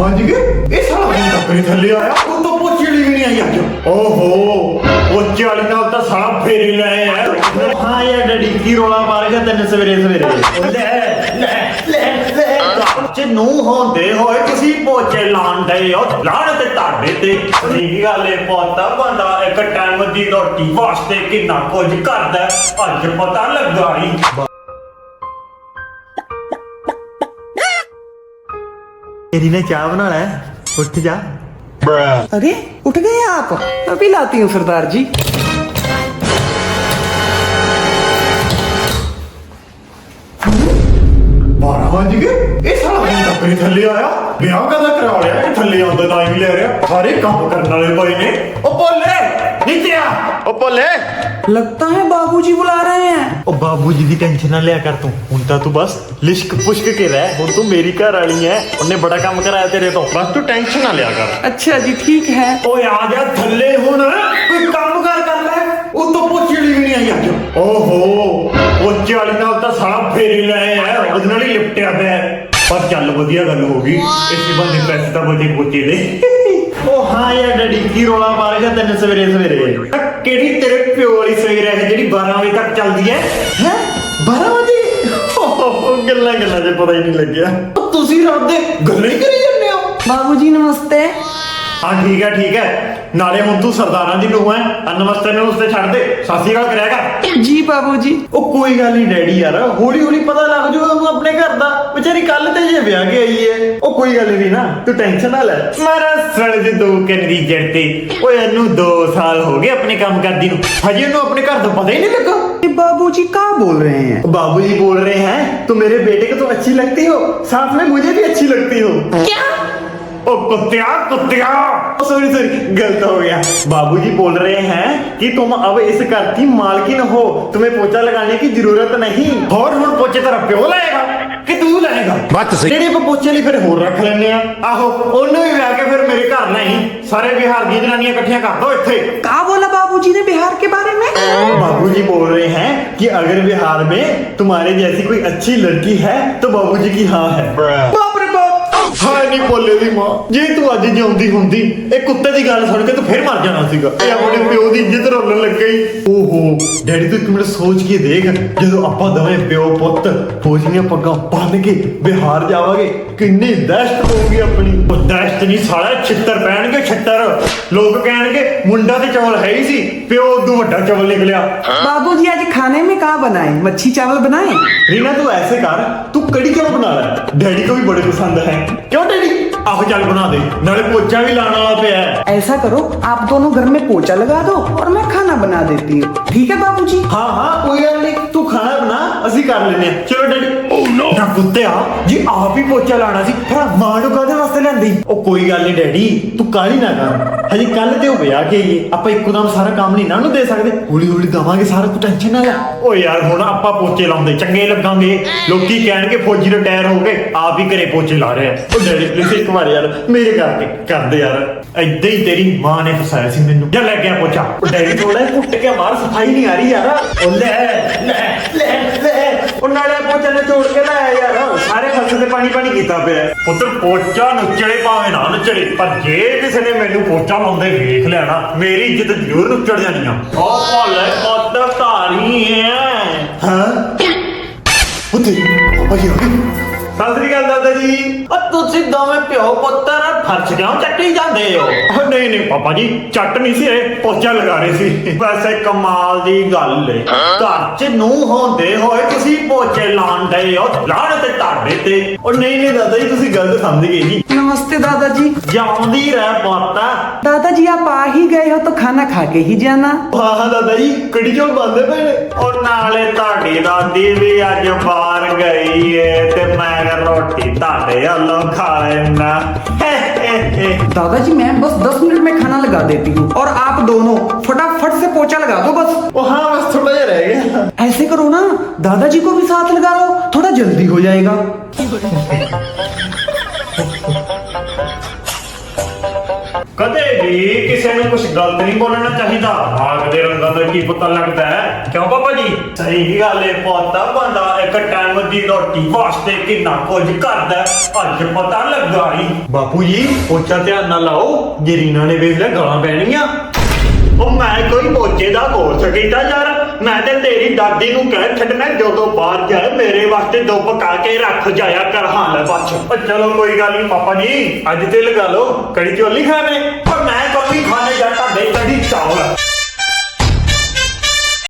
भांज के ये साला दिन तक नहीं थल्ले आया वो तो पोचे वाली भी नहीं आई आज ओहो पोचे वाली नाल तो साला फेरी लाए है हां यार डैडी की रोला मार के तन्ने सवेरे सवेरे ले ले ले ले च नू होंदे होए तुसी पोचे लाण दे हो लाण ते ताड़े ते ठीक गल है पोता बंदा एक टाइम दी रोटी वास्ते कितना कुछ करदा अज पता लगा ही तेरी ने चाय बना है उठ जा अरे उठ गए आप? अभी लाती हूँ सरदार जी। बारह बज गए ये साला दिन तक नहीं थल्ले आया ब्याह कदा करा लिया ये थल्ले आंदा टाइम ले रहा सारे काम करने वाले भाई ने ओ बोले नीचे आ ओ बोले लगता है बाबूजी बुला रहे हैं। ओ बाबूजी दी टेंशन ना लिया कर तू हुन ता तू बस लिश्क पुश्क के रह हुन तू मेरी घर वाली है उन्हें बड़ा काम कराया तेरे तो बस तू टेंशन ना लिया कर। अच्छा जी ठीक है। ओ आ जा थल्ले हुन कोई काम कर ले ओ तो पोची वाली भी नहीं आई आज ओहो पोची वाली नाल ता साला फेरी लाए है ਉਹਦੇ ਨਾਲ ਹੀ ਲਿਪਟਿਆ ਪਿਆ ਪਰ ਚੱਲ ਵਧੀਆ ਗੱਲ ਹੋ ਗਈ ਇਸੇ ਬੰਦੇ ਪੈਸੇ ਤਾਂ ਬਚੇ ਪੋਚੇ ਦੇ ਉਹ ਹਾਂ ਯਾਰ ਡੈਡੀ ਕੀ ਰੋਲਾ ਮਾਰ ਗਿਆ ਤੈਨੂੰ ਸਵੇਰੇ ਸਵੇਰੇ ਕਿਹੜੀ ਤੇਰੇ ਪਿਓ ਵਾਲੀ ਸਵੇਰ ਹੈ ਜਿਹੜੀ 12 ਵਜੇ ਤੱਕ ਚੱਲਦੀ ਹੈ ਹੈ 12 ਵਜੇ ਗੱਲਾਂ ਗੱਲਾਂ 'ਚ ਪਤਾ ਹੀ ਨਹੀਂ ਲੱਗਿਆ ਤੁਸੀਂ ਰਾਤ ਦੇ ਗੱਲਾਂ ਹੀ ਕਰੀ ਜਾਂਦੇ ਹੋ बाबूजी नमस्ते। हाँ ठीक है नाले हुन तू सरदारां दी नूह है नमस्ते ने उसते छड़ दे सासी गल करेगा जी बाबूजी। ओ कोई गल नहीं डैडी यार हौली हौली पता लग जाऊगा ओनू अपने घर दा बेचारी कल ते जे ब्याह के आई है ओ कोई गल नहीं ना तू टेंशन ना ले मेरा सड़ दे दो कनरी जड़ते ओए एनू 2 साल हो गए अपने काम करदी नू हजे ओनू अपने घर दा पता ही नहीं लगा बाबूजी क्या बोल रहे हैं? बाबूजी बोल रहे हैं तुम मेरे बेटे को तो अच्छी लगती हो साथ में मुझे भी अच्छी लगती हो क्या? ओ कुत्तिया सॉरी गलत हो गया बाबूजी बोल रहे हैं कि तुम अब इस घर की मालकिन हो तुम्हें पोछा लगाने की जरूरत नहीं और हुन पोछे तेरा प्यो लाएगा कि तू लाएगा बात सही जेडे को पोछे लिए फिर होर रख लेने आ आहो ओनू भी ला के फिर मेरे घर नहीं सारे बिहार की जनानियां इकट्ठियां कर दो इत्थे क्या बोला बाबूजी ने बिहार के बारे में? बाबूजी बोल रहे हैं कि अगर बिहार में तुम्हारे जैसी कोई अच्छी लड़की है तो बाबूजी की हाँ है बाप रे बाप। हाय नहीं बोले दी मां जे तू अज जिਉਂਦੀ ਹੁੰਦੀ ਇਹ ਕੁੱਤੇ ਦੀ ਗੱਲ ਸੁਣ ਕੇ ਤੂੰ ਫਿਰ ਮਰ ਜਾਣਾ ਸੀਗਾ ਇਹ ਆਪਣੇ ਪਿਓ ਦੀ ਇੱਜ਼ਤ ਰੋਲਣ ਲੱਗ ਗਈ ਓਹੋ ਡੈਡੀ ਤੂੰ ਇੱਕ ਮਿੰਟ ਸੋਚ ਕੇ ਦੇਖ ਜਦੋਂ ਆਪਾਂ ਦੋਵੇਂ ਪਿਓ ਪੁੱਤ ਫੌਜੀਆਂ ਪੱਗਾਂ ਬੰਨ ਕੇ ਬਿਹਾਰ ਜਾਵਾਂਗੇ ਕਿੰਨੀ ਦਹਿਸ਼ਤ ਹੋਊਗੀ ਆਪਣੀ ਉਹ ਦਹਿਸ਼ਤ ਨਹੀਂ ਸਾਲਾ ਛਿੱਤਰ ਪੈਣਗੇ ਛਿੱਤਰ ਲੋਕ ਕਹਿਣਗੇ ਮੁੰਡਾ ਤੇ ਚਵਲ ਹੈ ਹੀ ਸੀ ਪਿਓ ਉਦੋਂ ਵੱਡਾ ਚਵਲ ਨਿਕਲਿਆ बाबूजी आज खाने में क्या बनाए? मच्छी चावल बनाए? रीना तू ऐसे कर तू कड़ी चावल बना ले डैडी को भी बड़े पसंद है क्यों डैडी आहो चल बना दे नाले पोचा भी लाना वाला पे है ऐसा करो आप दोनों घर में पोचा लगा दो और मैं खाना बना देती हूँ ठीक है बाबूजी? हाँ कोई गल नहीं तू खाना बना असि कर लेने चलो डैडी ओह नो ना कुत्ते जी आप ही पोचा लाना सी फिर मां नु कादे वास्ते लेंदी ओ कोई गल नहीं डैडी तू काली ना कर हजे कल ते हो ब्याह के आईए ਆਪਾਂ ਇੱਕਦਮ ਸਾਰਾ ਕੰਮ ਨਹੀਂ ਨਾ ਨੂੰ ਦੇ ਸਕਦੇ ਹੌਲੀ ਹੌਲੀ ਦਵਾਂਗੇ ਸਾਰਾ ਤੂੰ ਟੈਨਸ਼ਨ ਨਾ ਲੈ ਓ ਯਾਰ ਹੁਣ ਆਪਾਂ ਪੋਚੇ ਲਾਉਂਦੇ ਚੰਗੇ ਲੱਗਾਂਗੇ ਲੋਕੀ ਕਹਿਣਗੇ ਫੌਜੀ ਰਿਟਾਇਰ ਹੋ ਗਏ ਆਪ ਹੀ ਘਰੇ ਪੋਚੇ ਲਾ ਰਹੇ ਆ ਓ ਡੈਡੀ ਪਲੀਜ਼ ਇੱਕ ਵਾਰ ਯਾਰ ਮੇਰੇ ਕਰਕੇ ਕਰਦੇ ਯਾਰ ਏਦਾਂ ਹੀ ਤੇਰੀ ਮਾਂ ਨੇ ਫਸਾਇਆ ਸੀ ਮੈਨੂੰ ਜਾ ਲੈ ਗਿਆ ਪੋਚਾ ਓ ਡੈਡੀ ਥੋੜਾ ਕੁੱਟ ਕੇ ਮਾਰ ਸਫਾਈ ਨਹੀਂ ਆ ਰਹੀ ਯਾਰ ਓ ਲੈ ਉਹ ਨਾਲੇ ਪੋਚਾ ਨੇ ਛੋੜ ਕੇ ਲਾਇਆ ਯਾਰ ਸਾਰੇ ਫਸਲ ਤੇ ਪਾਣੀ ਕੀਤਾ ਪਿਆ ਪੁੱਤਰ ਪੋਚਾ ਨੁੱਚੜੇ ਭਾਵੇਂ ਨਾ ਨੁੱਚੜੇ ਪਰ ਜੇ ਕਿਸੇ ਨੇ ਮੈਨੂੰ ਪੋਚਾ ਲਾਉਂਦੇ ਵੇਖ ਲਿਆ ਨਾ ਮੇਰੀ ਇੱਜ਼ਤ ਜ਼ਰੂਰ ਨੁੱਚੜ ਜਾਣੀ ਆ ਉਹ ਭੋਲੇ ਪੁੱਤ ਧਾਰੀ ਹੈ ਹਾਂ ਪੁੱਤ ਭਾਈ ਸਤਿ ਸ੍ਰੀ ਅਕਾਲ ਦਾਦਾ ਜੀ ਉਹ ਤੁਸੀਂ ਦੋਵੇਂ ਪਿਓ ਪੁੱਤਰ ਫਰਸ਼ ਕਿਉਂ ਚੱਟੀ ਜਾਂਦੇ ਹੋ ਨਹੀਂ ਪਾਪਾ ਜੀ ਚੱਟ ਨਹੀਂ ਸੀ ਇਹ ਪੋਚਾ ਲਗਾ ਰਹੇ ਸੀ ਵੈਸੇ ਕਮਾਲ ਦੀ ਗੱਲ ਏ ਘਰ 'ਚ ਨੂੰ ਹੁੰਦੇ ਹੋਏ ਤੁਸੀਂ ਪੋਚੇ ਲਾਉਂਦੇ ਹੋ ਲਾਣ ਤੇ ਤੁਹਾਡੇ ਤੇ ਉਹ ਨਹੀਂ ਦਾਦਾ ਜੀ ਤੁਸੀਂ ਗਲਤ ਸਮਝ ਗਏ ਜੀ नमस्ते दादाजी। ਜਾਉਂਦੀ ਰਹਿ ਪੁੱਤਾ दादाजी आप आ ही गए हो तो खाना खा के ही जाना। ਹਾਂ ਦਾਦਾ ਜੀ ਕੜੀ ਚੌਲ ਬਣਦੇ ਪਏ ਨੇ ਉਹ ਨਾਲੇ ਤੁਹਾਡੀ ਦਾਦੀ ਵੀ ਅੱਜ ਬਾਹਰ ਗਈ ਏ ਤੇ ਮੈਂ रोटी ताड़े अल्लो खा लेना दादाजी मैं बस 10 मिनट में खाना लगा देती हूँ और आप दोनों फटाफट से पोछा लगा दो बस। ओ हाँ बस थोड़ा ही रह गया ऐसे करो ना दादाजी को भी साथ लगा लो थोड़ा जल्दी हो जाएगा। कदे ਵੀ ਕਿਸੇ ਨੂੰ ਕੁਝ ਗਲਤ ਨਹੀਂ ਬੋਲਣਾ ਚਾਹੀਦਾ। ਆਗ ਦੇ ਰੰਗਾਂ ਦਾ ਕੀ ਪਤਾ ਲੱਗਦਾ ਹੈ, ਕਿਉਂ ਪਾਪਾ ਜੀ? ਸਹੀ ਗੱਲ ਹੈ ਪੋਤਾ, ਬੰਦਾ ਇੱਕ ਟਾਈਮ ਦੀ ਰੋਟੀ ਵਾਸਤੇ ਕਿੰਨਾ ਕੁਝ ਕਰਦਾ ਹੈ, ਅੱਜ ਪਤਾ ਲੱਗਾ ਹੀ। ਬਾਪੂ ਜੀ ਪੋਚਾ ਧਿਆਨ ਨਾਲ ਲਾਓ, ਜੇ ਰੀਨਾ ਨੇ ਵੇਖ ਲਿਆ ਗਾਲਾਂ ਪੈਣਗੀਆਂ। ਉਹ ਮੈਂ ਕੋਈ ਪੋਚੇ ਦਾ ਕੋਰਸ ਕੀਤਾ ਯਾਰ, ਮੈਂ ਤੇ ਤੇਰੀ ਦਾਦੀ ਨੂੰ ਕਹਿ ਛੱਡਣਾ ਜਦੋਂ ਬਾਹਰ ਜਾਏ ਮੇਰੇ ਵਾਸਤੇ ਦੋ ਪਕਾ ਕੇ ਰੱਖ ਜਾਇਆ ਕਰ। ਹਾਂ ਲੈ ਬੱਚ। ਉਹ ਚਲੋ ਕੋਈ ਗੱਲ ਨਹੀਂ ਪਾਪਾ ਜੀ, ਅੱਜ ਤੇ ਲਗਾ ਲਓ ਕੜੀ ਚੌਲ ਨਹੀਂ ਖਾਣੇ, ਪਰ ਮੈਂ ਕੋਈ ਖਾਣੇ ਜਾਂ ਤੁਹਾਡੇ ਕੜੀ ਚਾਵਲ।